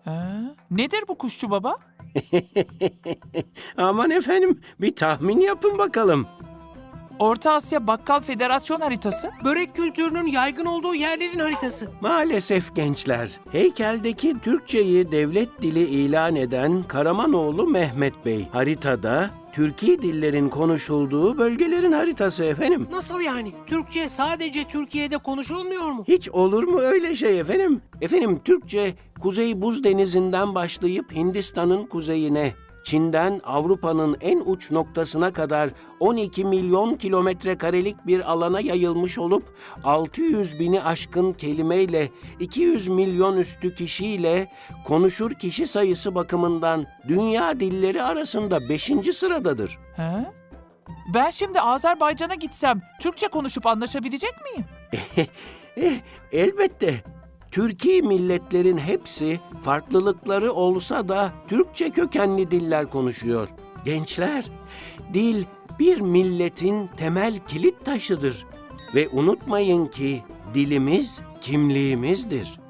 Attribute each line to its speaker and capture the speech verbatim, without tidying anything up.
Speaker 1: Ha? Nedir bu kuşçu baba?
Speaker 2: Aman efendim, bir tahmin yapın bakalım.
Speaker 1: Orta Asya Bakkal Federasyon haritası.
Speaker 3: Börek kültürünün yaygın olduğu yerlerin haritası.
Speaker 2: Maalesef gençler, heykeldeki Türkçeyi devlet dili ilan eden Karamanoğlu Mehmet Bey. Haritada Türki dillerin konuşulduğu bölgelerin haritası efendim.
Speaker 3: Nasıl yani? Türkçe sadece Türkiye'de konuşulmuyor mu?
Speaker 2: Hiç olur mu öyle şey efendim? Efendim Türkçe Kuzey Buz Denizi'nden başlayıp Hindistan'ın kuzeyine, Çin'den Avrupa'nın en uç noktasına kadar on iki milyon kilometre karelik bir alana yayılmış olup altı yüz bini aşkın kelimeyle iki yüz milyon üstü kişiyle konuşur kişi sayısı bakımından dünya dilleri arasında beşinci sıradadır.
Speaker 1: Ha? Ben şimdi Azerbaycan'a gitsem Türkçe konuşup anlaşabilecek miyim?
Speaker 2: Eh, elbette. Türki milletlerin hepsi farklılıkları olsa da Türkçe kökenli diller konuşuyor. Gençler, dil bir milletin temel kilit taşıdır. Ve unutmayın ki dilimiz kimliğimizdir.